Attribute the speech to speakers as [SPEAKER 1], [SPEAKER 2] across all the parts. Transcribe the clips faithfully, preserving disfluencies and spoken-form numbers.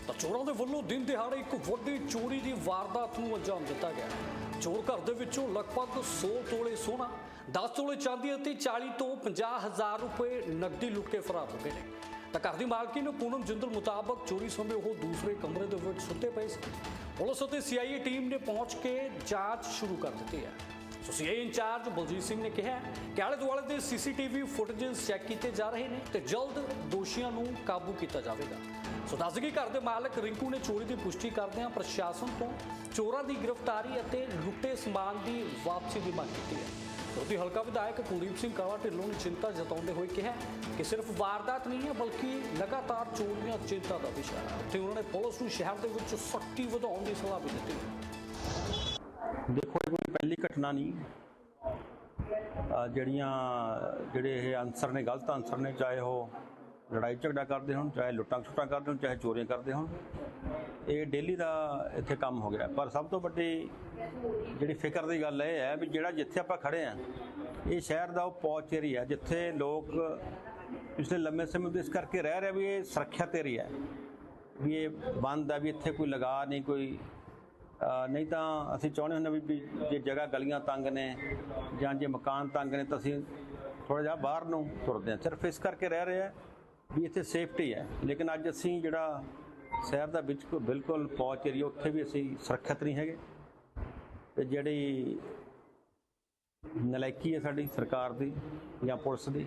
[SPEAKER 1] ਤਾਂ ਚੋਰਾਂ ਦੇ ਵੱਲੋਂ ਦਿਨ ਦਿਹਾੜੇ ਇੱਕ ਵੱਡੀ ਚੋਰੀ ਦੀ ਵਾਰਦਾਤ ਨੂੰ ਅੰਜਾਮ ਦਿੱਤਾ ਗਿਆ। ਚੋਰ ਘਰ ਦੇ ਵਿੱਚੋਂ ਲਗਭਗ ਸੌ ਤੋਲੇ ਸੋਨਾ, ਦਸ ਤੋਲੇ ਚਾਂਦੀ ਅਤੇ ਚਾਲੀ ਤੋਂ ਪੰਜਾਹ ਹਜ਼ਾਰ ਰੁਪਏ ਨਕਦੀ ਲੁੱਟ ਕੇ ਫਰਾਰ ਹੋ ਗਏ ਨੇ। ਤਾਂ ਘਰ ਦੀ ਮਾਲਕਿਨ ਪੂਨਮ ਜਿੰਦਲ ਮੁਤਾਬਕ ਚੋਰੀ ਸਮੇਂ ਉਹ ਦੂਸਰੇ ਕਮਰੇ ਦੇ ਵਿੱਚ ਸੁੱਤੇ ਪਏ ਸੀ। ਪੁਲਿਸ ਅਤੇ ਸੀਆਈਏ ਟੀਮ ਨੇ ਪਹੁੰਚ ਕੇ ਜਾਂਚ ਸ਼ੁਰੂ ਕਰ ਦਿੱਤੀ ਹੈ। So CIA incharge Baljit Singh ਨੇ ਕਿਹਾ ਕਿ ਆਲੇ ਦੁਆਲੇ ਦੇ ਸੀਸੀਟੀਵੀ ਫੁਟੇजेस ਚੈੱਕ ਕੀਤੇ ਜਾ ਰਹੇ ਨੇ ਤੇ ਜਲਦ ਦੋਸ਼ੀਆਂ ਨੂੰ ਕਾਬੂ ਕੀਤਾ ਜਾਵੇਗਾ। ਸੋ ਦੱਸ ਦਈਏ ਘਰ ਦੇ ਮਾਲਕ ਰਿੰਕੂ ਨੇ ਚੋਰੀ ਦੀ ਪੁਸ਼ਟੀ ਕਰਦਿਆਂ ਪ੍ਰਸ਼ਾਸਨ ਤੋਂ ਚੋਰਾਂ ਦੀ ਗ੍ਰਿਫਤਾਰੀ ਅਤੇ ਲੁੱਟੇ ਸਮਾਨ ਦੀ ਵਾਪਸੀ ਦੀ ਮੰਗ ਕੀਤੀ ਹੈ। ਉਹਦੀ ਹਲਕਾ ਵਿਧਾਇਕ ਕੁਲਦੀਪ ਸਿੰਘ ਕਾਲਾ ਢਿੱਲੋਂ ਨੇ ਚਿੰਤਾ ਜਤਾਉਂਦੇ ਹੋਏ ਕਿਹਾ ਕਿ ਸਿਰਫ ਵਾਰਦਾਤ ਨਹੀਂ ਹੈ ਬਲਕਿ ਲਗਾਤਾਰ ਚੋਰੀਆਂ ਚਿੰਤਾ ਦਾ ਵਿਸ਼ਾ ਹੈ ਤੇ ਉਹਨਾਂ ਨੇ ਪੁਲਿਸ ਨੂੰ ਸ਼ਹਿਰ ਦੇ ਵਿੱਚ ਸਖਤੀ ਵਧਾਉਣ ਦੀ ਸਲਾਹ ਵੀ ਦਿੱਤੀ ਹੈ।
[SPEAKER 2] ਦੇਖੋ ਇਹ ਕੋਈ ਪਹਿਲੀ ਘਟਨਾ ਨਹੀਂ, ਜਿਹੜੀਆਂ ਜਿਹੜੇ ਇਹ ਅਨਸਰ ਨੇ, ਗਲਤ ਅਨਸਰ ਨੇ, ਚਾਹੇ ਉਹ ਲੜਾਈ ਝਗੜਾ ਕਰਦੇ ਹੋਣ, ਚਾਹੇ ਲੁੱਟਾਂ ਖਸੁੱਟਾਂ ਕਰਦੇ ਹੋਣ, ਚਾਹੇ ਚੋਰੀਆਂ ਕਰਦੇ ਹੋਣ, ਇਹ ਡੇਲੀ ਦਾ ਇੱਥੇ ਕੰਮ ਹੋ ਗਿਆ। ਪਰ ਸਭ ਤੋਂ ਵੱਡੀ ਜਿਹੜੀ ਫਿਕਰ ਦੀ ਗੱਲ ਇਹ ਹੈ ਵੀ ਜਿਹੜਾ ਜਿੱਥੇ ਆਪਾਂ ਖੜੇ ਹਾਂ ਇਹ ਸ਼ਹਿਰ ਦਾ ਉਹ ਪੌਚ ਏਰੀਆ ਜਿੱਥੇ ਲੋਕ ਪਿਛਲੇ ਲੰਮੇ ਸਮੇਂ ਤੋਂ ਇਸ ਕਰਕੇ ਰਹਿ ਰਹੇ ਵੀ ਇਹ ਸੁਰੱਖਿਅਤ ਏਰੀਆ ਵੀ ਇਹ ਬੰਦ ਹੈ, ਵੀ ਇੱਥੇ ਕੋਈ ਲਗਾ ਨਹੀਂ, ਕੋਈ ਨਹੀਂ ਤਾਂ ਅਸੀਂ ਚਾਹੁੰਦੇ ਹੁੰਦੇ ਵੀ ਜੇ ਜਗ੍ਹਾ ਗਲੀਆਂ ਤੰਗ ਨੇ ਜਾਂ ਜੇ ਮਕਾਨ ਤੰਗ ਨੇ ਤਾਂ ਅਸੀਂ ਥੋੜ੍ਹਾ ਜਿਹਾ ਬਾਹਰ ਨੂੰ ਤੁਰਦੇ ਹਾਂ। ਸਿਰਫ ਇਸ ਕਰਕੇ ਰਹਿ ਰਹੇ ਹੈ ਵੀ ਇੱਥੇ ਸੇਫਟੀ ਹੈ। ਲੇਕਿਨ ਅੱਜ ਅਸੀਂ ਜਿਹੜਾ ਸ਼ਹਿਰ ਦਾ ਵਿੱਚ ਬਿਲਕੁਲ ਪਹੁੰਚ ਏਰੀਆ ਉੱਥੇ ਵੀ ਅਸੀਂ ਸੁਰੱਖਿਅਤ ਨਹੀਂ ਹੈਗੇ ਤੇ ਜਿਹੜੀ ਨਲਾਇਕੀ ਹੈ ਸਾਡੀ ਸਰਕਾਰ ਦੀ ਜਾਂ ਪੁਲਿਸ ਦੀ,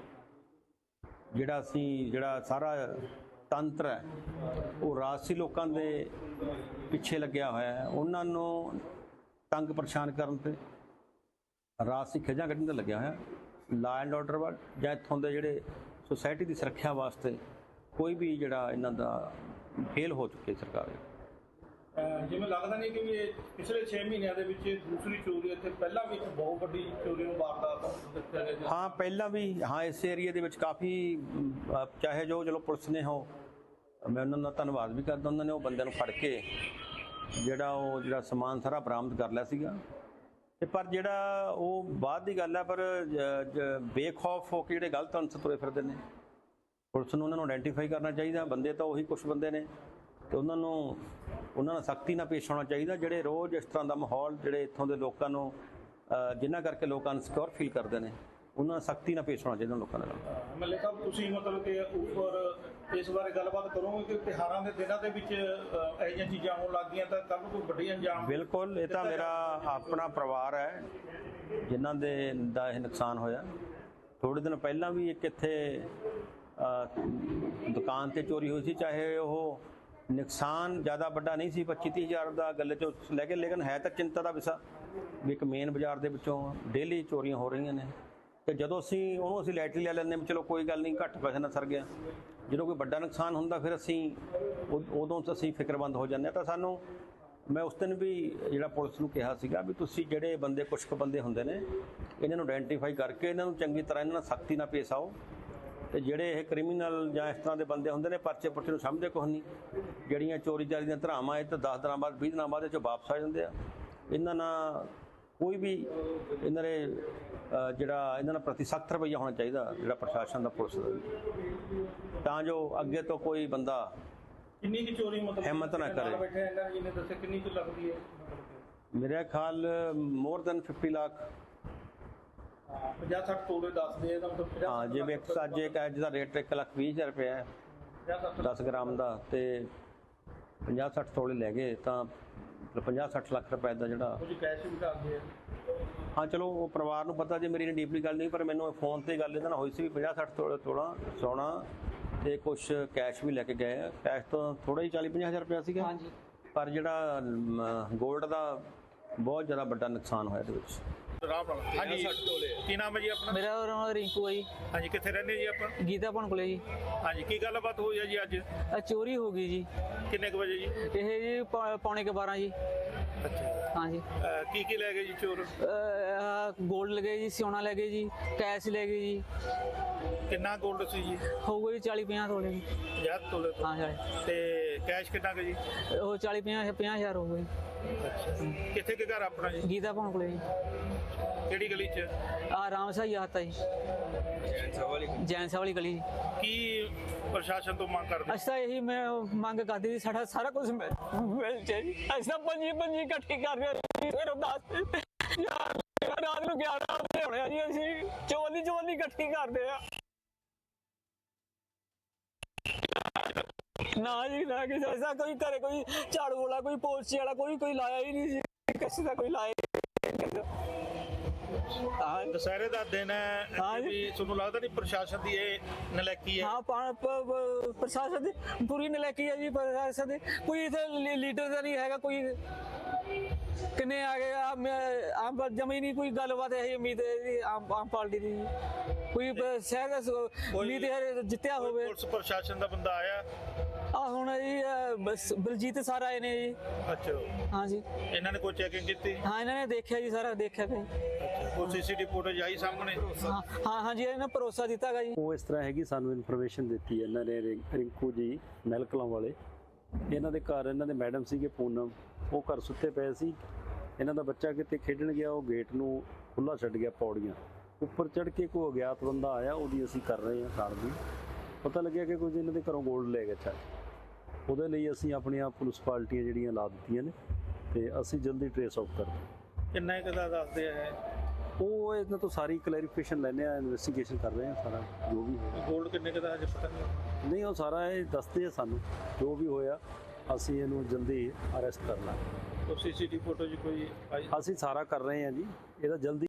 [SPEAKER 2] ਜਿਹੜਾ ਅਸੀਂ ਜਿਹੜਾ ਸਾਰਾ ਤੰਤਰ ਹੈ ਉਹ ਰਾਜਸੀ ਲੋਕਾਂ ਦੇ ਪਿੱਛੇ ਲੱਗਿਆ ਹੋਇਆ ਹੈ, ਉਹਨਾਂ ਨੂੰ ਤੰਗ ਪਰੇਸ਼ਾਨ ਕਰਨ ਤੇ ਰਾਜਸੀ ਖਿੱਚਾਂ ਕੱਢਣ ਤੇ ਲੱਗਿਆ ਹੋਇਆ। ਲਾ ਐਂਡ ਆਰਡਰ ਵਾ ਜਾਂ ਇੱਥੋਂ ਦੇ ਜਿਹੜੇ ਸੁਸਾਇਟੀ ਦੀ ਸੁਰੱਖਿਆ ਵਾਸਤੇ ਕੋਈ ਵੀ ਜਿਹੜਾ ਇਹਨਾਂ ਦਾ ਫੇਲ ਹੋ ਚੁੱਕੀ ਸਰਕਾਰ ਹੈ।
[SPEAKER 3] ਜਿਵੇਂ ਲੱਗਦਾ ਨਹੀਂ ਕਿ ਇਹ ਪਿਛਲੇ ਛੇ ਮਹੀਨਿਆਂ ਦੇ ਵਿੱਚ ਦੂਸਰੀ ਚੋਰੀ ਇੱਥੇ ਪਹਿਲਾਂ ਵੀ ਇੱਕ ਬਹੁਤ ਵੱਡੀ ਚੋਰੀ ਨੂੰ ਵਾਰਦਾਤ ਦਿੱਤਾ ਗਿਆ।
[SPEAKER 2] ਹਾਂ ਪਹਿਲਾਂ ਵੀ ਹਾਂ ਇਸ ਏਰੀਏ ਦੇ ਵਿੱਚ ਕਾਫੀ, ਚਾਹੇ ਜੋ ਚਲੋ ਪੁਲਿਸ ਨੇ ਹੋ, ਮੈਂ ਉਹਨਾਂ ਦਾ ਧੰਨਵਾਦ ਵੀ ਕਰਦਾ, ਉਹਨਾਂ ਨੇ ਉਹ ਬੰਦਿਆਂ ਨੂੰ ਫੜ ਕੇ ਜਿਹੜਾ ਉਹ ਜਿਹੜਾ ਸਮਾਨ ਸਾਰਾ ਬਰਾਮਦ ਕਰ ਲਿਆ ਸੀਗਾ। ਤੇ ਪਰ ਜਿਹੜਾ ਉਹ ਬਾਅਦ ਦੀ ਗੱਲ ਹੈ, ਪਰ ਬੇਖੌਫ ਹੋ ਕੇ ਜਿਹੜੇ ਗਲਤ ਅਨਸਰ ਤੁਰੇ ਫਿਰਦੇ ਨੇ, ਪੁਲਿਸ ਨੂੰ ਉਹਨਾਂ ਨੂੰ ਆਇਡੈਂਟੀਫਾਈ ਕਰਨਾ ਚਾਹੀਦਾ। ਬੰਦੇ ਤਾਂ ਉਹੀ ਕੁਛ ਬੰਦੇ ਨੇ ਤੇ ਉਹਨਾਂ ਨੂੰ ਉਹਨਾਂ ਨਾਲ ਸਖਤੀ ਨਾਲ ਪੇਸ਼ ਆਉਣਾ ਚਾਹੀਦਾ। ਜਿਹੜੇ ਰੋਜ਼ ਇਸ ਤਰ੍ਹਾਂ ਦਾ ਮਾਹੌਲ ਜਿਹੜੇ ਇੱਥੋਂ ਦੇ ਲੋਕਾਂ ਨੂੰ ਜਿਨ੍ਹਾਂ ਕਰਕੇ ਲੋਕ ਅਨਸਿਕਿਉਰ ਫੀਲ ਕਰਦੇ ਨੇ, ਉਹਨਾਂ ਨਾਲ ਸਖਤੀ ਨਾਲ ਪੇਸ਼ ਆਉਣਾ ਚਾਹੀਦਾ ਲੋਕਾਂ ਦੇ ਨਾਲ।
[SPEAKER 3] ਮੱਲੇ ਸਾਹਿਬ ਤੁਸੀਂ ਮਤਲਬ ਕਿ ਉੱਪਰ ਇਸ ਬਾਰੇ ਗੱਲਬਾਤ ਕਰੋਗੇ ਕਿ ਤਿਉਹਾਰਾਂ ਦੇ ਦਿਨਾਂ ਦੇ ਵਿੱਚ ਇਹੋ ਜਿਹੀਆਂ ਚੀਜ਼ਾਂ ਹੋਣ ਲੱਗ ਗਈਆਂ ਤਾਂ ਕੱਲ੍ਹ ਨੂੰ ਕੋਈ ਵੱਡੀ ਅੰਜਾਮ? ਬਿਲਕੁਲ,
[SPEAKER 2] ਇਹ ਤਾਂ ਮੇਰਾ ਆਪਣਾ ਪਰਿਵਾਰ ਹੈ ਜਿਨ੍ਹਾਂ ਦੇ ਦਾ ਇਹ ਨੁਕਸਾਨ ਹੋਇਆ। ਥੋੜ੍ਹੇ ਦਿਨ ਪਹਿਲਾਂ ਵੀ ਇੱਕ ਇੱਥੇ ਦੁਕਾਨ ਤੇ ਚੋਰੀ ਹੋਈ ਸੀ, ਚਾਹੇ ਉਹ ਨੁਕਸਾਨ ਜ਼ਿਆਦਾ ਵੱਡਾ ਨਹੀਂ ਸੀ, ਪੱਚੀ ਤੀਹ ਹਜ਼ਾਰ ਦਾ ਗੱਲੇ 'ਚੋਂ ਲੈ ਕੇ, ਲੇਕਿਨ ਹੈ ਤਾਂ ਚਿੰਤਾ ਦਾ ਵਿਸ਼ਾ ਵੀ ਇੱਕ ਮੇਨ ਬਾਜ਼ਾਰ ਦੇ ਵਿੱਚੋਂ ਡੇਲੀ ਚੋਰੀਆਂ ਹੋ ਰਹੀਆਂ ਨੇ। ਤੇ ਜਦੋਂ ਅਸੀਂ ਉਹਨੂੰ ਅਸੀਂ ਲਾਈਟਲੀ ਲੈ ਲੈਂਦੇ ਵੀ ਚਲੋ ਕੋਈ ਗੱਲ ਨਹੀਂ, ਘੱਟ ਪੈਸੇ ਨਾਲ ਸਰ ਗਿਆ। ਜਦੋਂ ਕੋਈ ਵੱਡਾ ਨੁਕਸਾਨ ਹੁੰਦਾ ਫਿਰ ਅਸੀਂ ਉਦੋਂ ਤੋਂ ਅਸੀਂ ਫਿਕਰਮੰਦ ਹੋ ਜਾਂਦੇ ਹਾਂ। ਤਾਂ ਸਾਨੂੰ ਮੈਂ ਉਸ ਦਿਨ ਵੀ ਜਿਹੜਾ ਪੁਲਿਸ ਨੂੰ ਕਿਹਾ ਸੀਗਾ ਵੀ ਤੁਸੀਂ ਜਿਹੜੇ ਬੰਦੇ, ਕੁਛ ਕੁ ਬੰਦੇ ਹੁੰਦੇ ਨੇ, ਇਹਨਾਂ ਨੂੰ ਆਇਡੈਂਟੀਫਾਈ ਕਰਕੇ ਇਹਨਾਂ ਨੂੰ ਚੰਗੀ ਤਰ੍ਹਾਂ ਇਹਨਾਂ ਨਾਲ ਸਖਤੀ ਨਾਲ ਪੇਸ਼ ਆਓ। ਤੇ ਜਿਹੜੇ ਇਹ ਕ੍ਰਿਮੀਨਲ ਜਾਂ ਇਸ ਤਰ੍ਹਾਂ ਦੇ ਬੰਦੇ ਹੁੰਦੇ ਨੇ, ਪਰਚੇ ਪੁਰਚੇ ਨੂੰ ਸਮਝਦੇ ਕੁਛ ਨਹੀਂ, ਜਿਹੜੀਆਂ ਚੋਰੀ ਚਾਰੀ ਦੀਆਂ ਧਰਾਵਾਂ ਇਹ ਤਾਂ ਦਸ ਦਿਨਾਂ ਬਾਅਦ ਵੀਹ ਦਿਨਾਂ ਬਾਅਦ ਇਹ 'ਚੋਂ ਵਾਪਸ ਆ ਜਾਂਦੇ ਆ। ਇਹਨਾਂ ਨਾਲ ਕੋਈ ਵੀ ਇਹਨਾਂ ਦੇ ਜਿਹੜਾ ਇਹਨਾਂ ਨਾਲ ਪ੍ਰਤੀ ਸਖਤ ਰਵੱਈਆ ਹੋਣਾ ਚਾਹੀਦਾ ਜਿਹੜਾ ਪ੍ਰਸ਼ਾਸਨ ਦਾ, ਪੁਲਿਸ ਦਾ, ਤਾਂ ਜੋ ਅੱਗੇ ਤੋਂ ਕੋਈ ਬੰਦਾ
[SPEAKER 3] ਕਿੰਨੀ ਕੁ ਚੋਰੀ ਮਤਲਬ
[SPEAKER 2] ਹਿੰਮਤ ਨਾ ਕਰੇ।
[SPEAKER 3] ਬੈਠੇ ਇਹਨਾਂ ਜੀ ਨੇ ਦੱਸਿਆ ਕਿੰਨੀ ਕੁ ਲੱਗਦੀ ਹੈ?
[SPEAKER 2] ਮੇਰੇ ਖਿਆਲ ਮੋਰ ਦੈਨ ਫਿਫਟੀ ਲੱਖ,
[SPEAKER 3] ਪੰਜਾਹ ਸੱਠ ਤੋਲੇ ਦੱਸਦੇ ਆ ਤਾਂ ਮਤਲਬ
[SPEAKER 2] ਹਾਂ। ਜਿਵੇਂ ਇੱਕ ਅੱਜ ਇੱਕ ਅੱਜ ਦਾ ਰੇਟ ਇੱਕ ਲੱਖ ਵੀਹ ਹਜ਼ਾਰ ਰੁਪਇਆ ਹੈ ਦਸ ਗ੍ਰਾਮ ਦਾ, ਤੇ ਪੰਜਾਹ ਸੱਠ ਤੋਲੇ ਲੈ ਗਏ ਤਾਂ ਪੰਜਾਹ ਸੱਠ ਲੱਖ ਰੁਪਏ ਦਾ ਜਿਹੜਾ
[SPEAKER 3] ਕੁਝ ਕੈਸ਼ ਵੀ ਕਰਦੇ ਆ।
[SPEAKER 2] ਹਾਂ ਚਲੋ ਉਹ ਪਰਿਵਾਰ ਨੂੰ ਪਤਾ, ਜੇ ਮੇਰੀ ਡੀਪਲੀ ਗੱਲ ਨਹੀਂ, ਪਰ ਮੈਨੂੰ ਫੋਨ ਤੇ ਗੱਲ ਇਹਦੇ ਨਾਲ ਹੋਈ ਸੀ ਵੀ ਪੰਜਾਹ ਸੱਠ ਤੋਲੇ ਤੋਲਾ ਸੋਨਾ ਤੇ ਕੁਛ ਕੈਸ਼ ਵੀ ਲੈ ਕੇ ਗਏ ਆ। ਕੈਸ਼ ਤੋਂ ਥੋੜਾ ਹੀ ਚਾਲੀ ਪੰਜਾਹ ਹਜ਼ਾਰ ਰੁਪਇਆ ਸੀਗਾ। ਹਾਂਜੀ, ਪਰ ਜਿਹੜਾ ਗੋਲਡ ਦਾ ਬਹੁਤ ਜ਼ਿਆਦਾ ਵੱਡਾ ਨੁਕਸਾਨ ਹੋਇਆ ਇਹਦੇ ਵਿੱਚ।
[SPEAKER 3] ਹਾਂਜੀ, ਕੀ ਨਾਮ ਹੈ ਜੀ ਆਪਣਾ?
[SPEAKER 4] ਮੇਰਾ ਨਾਮ ਰਿੰਕੂ ਹੈ ਜੀ।
[SPEAKER 3] ਹਾਂਜੀ, ਕਿੱਥੇ ਰਹਿੰਦੇ ਜੀ ਆਪਾਂ?
[SPEAKER 4] ਗੀਤਾ ਭਣ ਕੋਲੇ ਜੀ।
[SPEAKER 3] ਹਾਂਜੀ, ਕੀ ਗੱਲਬਾਤ ਹੋਈ ਹੈ ਜੀ ਅੱਜ?
[SPEAKER 4] ਆ ਚੋਰੀ ਹੋ ਗਈ ਜੀ।
[SPEAKER 3] ਕਿੰਨੇ ਕੁ ਵਜੇ ਜੀ?
[SPEAKER 4] ਇਹ ਜੀ ਪੌਣੇ ਕੁ ਬਾਰਾਂ ਜੀ।
[SPEAKER 3] ਅੱਛਾ,
[SPEAKER 4] ਹਾਂਜੀ।
[SPEAKER 3] ਕੀ ਕੀ ਲੈ ਗਏ ਜੀ ਚੋਰ?
[SPEAKER 4] ਗੋਲਡ ਲੈ ਗਏ ਜੀ, ਸੋਨਾ ਲੈ ਗਏ ਜੀ, ਕੈਸ਼ ਲੈ ਗਏ ਜੀ।
[SPEAKER 3] ਕਿੰਨਾ ਗੋਲਡ ਸੀ ਜੀ?
[SPEAKER 4] ਹੋਊਗਾ ਜੀ ਚਾਲੀ ਪੰਜਾਹ ਤੋਲੇ ਜੀ।
[SPEAKER 3] ਪੰਜਾਹ ਤੋਲੇ?
[SPEAKER 4] ਹਾਂ ਜੀ।
[SPEAKER 3] ਤੇ ਕੈਸ਼ ਕਿੰਨਾ ਕੁ ਜੀ?
[SPEAKER 4] ਉਹ ਚਾਲੀ ਪੰਜਾਹ ਪੰਜਾਹ ਹਜ਼ਾਰ ਹੋ ਗਏ।
[SPEAKER 3] ਅੱਛਾ, ਕਿੱਥੇ ਕੁ ਘਰ ਆਪਣਾ ਜੀ?
[SPEAKER 4] ਗੀਤਾ ਭਵਨ ਕੋਲੇ ਜੀ।
[SPEAKER 3] ਕਿਹੜੀ ਗਲੀ 'ਚ?
[SPEAKER 4] ਆ ਰਾਮ ਸਾਈ ਆਤਾ ਜੀ, ਜੈਨ ਸਾਹਿਬ ਵਾਲੀ ਗਲੀ ਜੀ।
[SPEAKER 3] ਕੀ ਪ੍ਰਸ਼ਾਸਨ ਤੋਂ ਮੰਗ ਕਰਦੇ?
[SPEAKER 4] ਅਸੀਂ ਤਾਂ ਇਹੀ ਮੈਂ ਮੰਗ ਕਰਦੀ ਸੀ, ਸਾਡਾ ਸਾਰਾ ਕੁਝ ਮਿਲ ਮਿਲ ਜਾਏ ਜੀ। ਅਸੀਂ ਤਾਂ ਪੰਜੀ ਪੰਜੀ ਇਕੱਠੀ ਕਰ ਰਹੇ ਸੀ, ਫਿਰ ਦਸ ਯਾਰ ਰਾਤ ਨੂੰ ਗਿਆਰਾਂ ਵਜੇ ਹੋਣੇ ਆ ਜੀ। ਅਸੀਂ ਚੋਲੀ ਚੋਲੀ ਇਕੱਠੀ ਕਰਦੇ ਆ। ਨਾ ਜੀ ਨਾ, ਕਿਸੇ ਐਸਾ ਕੋਈ ਘਰੇ ਕੋਈ ਝਾੜੂ ਵਾਲਾ, ਕੋਈ ਪੋਚੇ ਵਾਲਾ, ਕੋਈ ਕੋਈ ਲਾਇਆ ਹੀ ਨਹੀਂ ਸੀ, ਕਿਸੇ ਦਾ ਕੋਈ ਲਾਇਆ ਹਾਂ।
[SPEAKER 3] ਦੁਸਹਿਰੇ ਦਾ ਦਿਨ ਹੈ,
[SPEAKER 4] ਹਾਂ ਜੀ।
[SPEAKER 3] ਵੀ ਤੁਹਾਨੂੰ ਲੱਗਦਾ ਨਹੀਂ ਪ੍ਰਸ਼ਾਸਨ ਦੀ ਇਹ ਨਲਾਇਕੀ ਹੈ?
[SPEAKER 4] ਹਾਂ, ਪਾ- ਪ- ਪ- ਪ੍ਰਸ਼ਾਸਨ ਦੀ ਪੂਰੀ ਨਲਾਇਕੀ ਹੈ ਜੀ। ਪ੍ਰਸ਼ਾਸਨ ਦੀ ਕੋਈ ਇੱਥੇ ਲੀਡਰ ਤਾਂ ਨਹੀਂ ਹੈਗਾ। ਕੋਈ ਕਿੰਨੇ ਆ ਗਏ ਆ, ਮੈਂ- ਆਮ ਜਮੀ ਨਹੀਂ ਕੋਈ ਗੱਲਬਾਤ ਹੈ ਉਮੀਦ ਹੈ ਜੀ ਆਮ ਆਮ ਪਾਰਟੀ ਦੀ। ਕੋਈ ਸ਼ਾਇਦ ਉਮੀਦ ਹੈ ਜਿੱਤਿਆ
[SPEAKER 3] ਕੋਈ
[SPEAKER 4] ਹੋਵੇ।
[SPEAKER 3] ਪੁਲਿਸ ਪ੍ਰਸ਼ਾਸਨ ਦਾ ਬੰਦਾ ਆਇਆ?
[SPEAKER 4] ਆ ਹੁਣ ਜੀ ਅਹ, ਬਸ ਬਲਜੀਤ ਸਰ ਆਏ ਨੇ ਜੀ।
[SPEAKER 3] ਅੱਛਾ,
[SPEAKER 4] ਹਾਂ ਜੀ,
[SPEAKER 3] ਇਹਨਾਂ ਨੇ ਕੋਈ ਚੈਕਿੰਗ ਕੀਤੀ?
[SPEAKER 4] ਹਾਂ ਇਹਨਾਂ ਨੇ ਦੇਖਿਆ ਜੀ, ਸਾਰਾ ਦੇਖਿਆ ਕਿ
[SPEAKER 3] ਕੋਈ ਸੀਸੀਟੀਵੀ ਫੁਟੇਜ ਆਈ ਸਾਹਮਣੇ?
[SPEAKER 4] ਹਾਂ ਹਾਂ ਹਾਂ ਜੀ, ਇਹਨਾਂ ਭਰੋਸਾ ਦਿੱਤਾ ਗਾ ਜੀ।
[SPEAKER 2] ਉਹ ਇਸ ਤਰ੍ਹਾਂ ਹੈਗੀ, ਸਾਨੂੰ ਇਨਫੋਰਮੇਸ਼ਨ ਦਿੱਤੀ ਇਹਨਾਂ ਨੇ, ਰਿੰ- ਰਿੰਕੂ ਜੀ ਮਹਿਲਕਲਾਂ ਵਾਲੇ। ਇਹਨਾਂ ਦੇ ਘਰ ਇਹਨਾਂ ਦੇ ਮੈਡਮ ਸੀਗੇ ਪੂਨਮ, ਉਹ ਘਰ ਸੁੱਤੇ ਪਏ ਸੀ। ਇਹਨਾਂ ਦਾ ਬੱਚਾ ਕਿਤੇ ਖੇਡਣ ਗਿਆ, ਉਹ ਗੇਟ ਨੂੰ ਖੁੱਲ੍ਹਾ ਛੱਡ ਗਿਆ, ਪੌੜੀਆਂ ਉੱਪਰ ਚੜ੍ਹ ਕੇ ਕੋਈ ਅਗਿਆਤ ਬੰਦਾ ਆਇਆ, ਉਹਦੀ ਅਸੀਂ ਕਰ ਰਹੇ ਹਾਂ ਕਾਰਵਾਈ। ਪਤਾ ਲੱਗਿਆ ਕਿ ਕੁਝ ਇਹਨਾਂ ਦੇ ਘਰੋਂ ਗੋਲਡ ਲੈ ਗਿਆ ਚੱਲ। ਉਹਦੇ ਲਈ ਅਸੀਂ ਆਪਣੀਆਂ ਪੁਲਿਸ ਪਾਰਟੀਆਂ ਜਿਹੜੀਆਂ ਲਾ ਦਿੱਤੀਆਂ ਨੇ, ਤੇ ਅਸੀਂ ਜਲਦੀ ਟਰੇਸ ਆਊਟ ਕਰਦੇ।
[SPEAKER 3] ਕਿੰਨਾ ਕੁ ਦਾ ਦੱਸਦੇ ਆ?
[SPEAKER 2] ਉਹ ਇਹਨਾਂ ਤੋਂ ਸਾਰੀ ਕਲੈਰੀਫਿਕੇਸ਼ਨ ਲੈਂਦੇ ਆ, ਇਨਵੈਸਟੀਗੇਸ਼ਨ ਕਰ ਰਹੇ ਆ, ਸਾਰਾ ਜੋ ਵੀ ਹੋਇਆ।
[SPEAKER 3] ਗੋਲਡ ਕਿੰਨੇ ਕੁ ਦਾ ਹਜੇ ਪਤਾ ਨਹੀਂ?
[SPEAKER 2] ਨਹੀਂ, ਉਹ ਸਾਰਾ ਇਹ ਦੱਸਦੇ ਆ ਸਾਨੂੰ, ਜੋ ਵੀ ਹੋਇਆ ਅਸੀਂ ਇਹਨੂੰ ਜਲਦੀ ਅਰੈਸਟ ਕਰ ਲਾਂਗੇ।
[SPEAKER 3] ਸੀਸੀਟੀਵੀ ਫੁਟੇਜ ਕੋਈ ਆਈ?
[SPEAKER 2] ਅਸੀਂ ਸਾਰਾ ਕਰ ਰਹੇ ਹਾਂ ਜੀ, ਇਹਦਾ ਜਲਦੀ